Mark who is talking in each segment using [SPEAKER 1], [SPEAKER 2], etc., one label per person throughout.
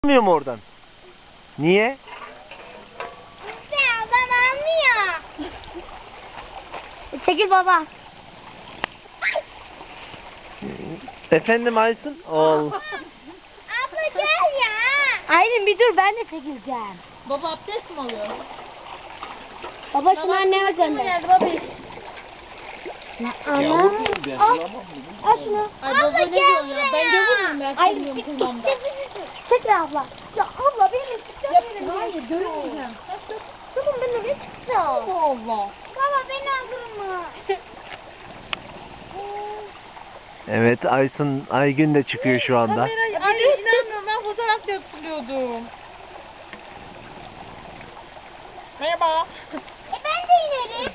[SPEAKER 1] Almıyor mu oradan? Niye?
[SPEAKER 2] İşte adam almıyor. Çekil baba.
[SPEAKER 1] Efendim Aysun? Ol.
[SPEAKER 2] Abla gel ya. Aylin bir dur, ben de çekileceğim.
[SPEAKER 3] Baba abdest mi alıyor?
[SPEAKER 2] Baba şunu anneme gönder.
[SPEAKER 3] Geldi babiş.
[SPEAKER 2] Ana. Al şunu.
[SPEAKER 3] Ay baba ne diyor ya? Ben görürüm ben
[SPEAKER 2] Ay,
[SPEAKER 3] sevmiyorum kulağımda.
[SPEAKER 2] Çekil abla. Ya abla benim çıkacağım.
[SPEAKER 3] Hayır görmeyeceğim.
[SPEAKER 2] Tamam ben oraya çıkacağım.
[SPEAKER 3] Allah.
[SPEAKER 2] Baba beni aldırma.
[SPEAKER 1] Evet Aysun Aygün de çıkıyor şu anda.
[SPEAKER 3] Kamerayı ay inanmıyorum ben fotoğraf yaptırıyordum. Merhaba.
[SPEAKER 2] Ben de inerim.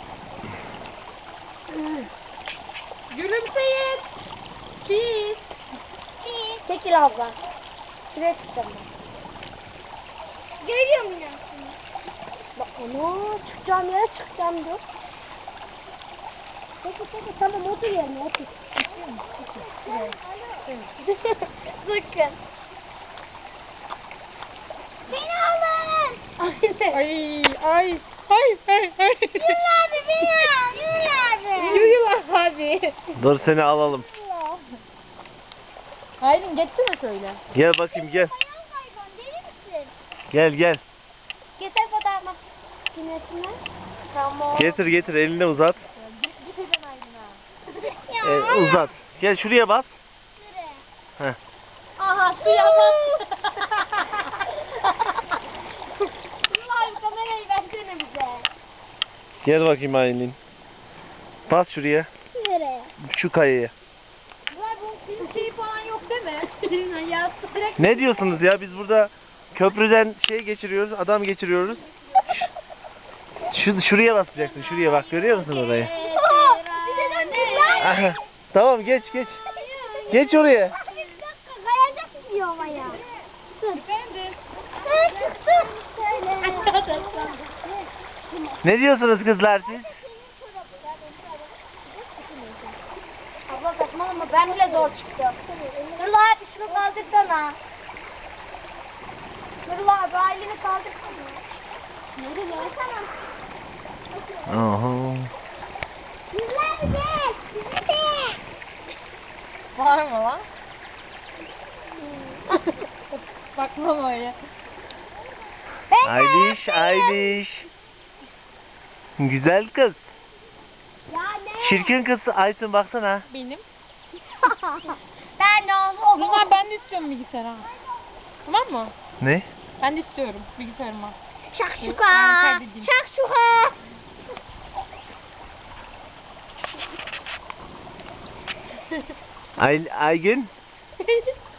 [SPEAKER 3] Gülümseyin. Cheese.
[SPEAKER 2] Çekil abla. Şuraya çıkacağım ben. Görüyor musun? Bak onu çıkacağım yere çıkacağım diyor. Çekil tamam otur yerine otur. Sıkın. Beni alın.
[SPEAKER 3] Ay ay ay.
[SPEAKER 2] Yürü abi beni al. Yürü abi.
[SPEAKER 3] Yürüyorlar abi.
[SPEAKER 1] Dur seni alalım.
[SPEAKER 3] Aylin geçsene şöyle.
[SPEAKER 1] Gel bakayım gel.
[SPEAKER 2] Ayağım kaygan deli misin?
[SPEAKER 1] Gel gel.
[SPEAKER 2] Getir fotoğraf makinesini. Tamam.
[SPEAKER 1] Getir elini uzat.
[SPEAKER 3] Giteceğim Aylin'a.
[SPEAKER 2] Ya.
[SPEAKER 1] Uzat. Gel şuraya bas. Heh.
[SPEAKER 3] Aha suya bak.
[SPEAKER 2] Vallahi kamerayı versene bize.
[SPEAKER 1] Gel bakayım Aylin. Bas şuraya.
[SPEAKER 2] Nereye?
[SPEAKER 1] Şu kayaya.
[SPEAKER 3] Bunlar bunun şeyi falan yok değil mi? Ya direkt
[SPEAKER 1] Ne diyorsunuz ya? Biz burada köprüden şey geçiriyoruz, adam geçiriyoruz. Şuraya basacaksın. Şuraya bak. Görüyor musun orayı?
[SPEAKER 2] Bir de dön.
[SPEAKER 1] Aha. Tamam geç. Geç oraya.
[SPEAKER 2] Bir dakika kayacak diyor havaya.
[SPEAKER 3] efendim.
[SPEAKER 2] Ben çıktım. Söyle.
[SPEAKER 1] Ne diyorsunuz kızlar siz?
[SPEAKER 2] Abla saçmalama ben bile zor çıktım. Nurullah abi şunu kaldırsana. Nurullah abi aileni kaldırsana. Nurullah. Tamam.
[SPEAKER 1] Oho.
[SPEAKER 2] Nurullah abi gel. Bizi de.
[SPEAKER 3] Var mı lan? Bakmam öyle.
[SPEAKER 1] Ayliş. Güzel kız.
[SPEAKER 2] Ya ne?
[SPEAKER 1] Çirkin kız Aysun baksana.
[SPEAKER 3] Benim.
[SPEAKER 2] Ben de onu.
[SPEAKER 3] Bunlar ben de istiyorum bilgisayar ha. Tamam mı?
[SPEAKER 1] Ne?
[SPEAKER 3] Ben de istiyorum bilgisayarıma.
[SPEAKER 2] Şakşuka.
[SPEAKER 3] Ben kaydedeyim.
[SPEAKER 2] Şakşuka.
[SPEAKER 1] Aygün.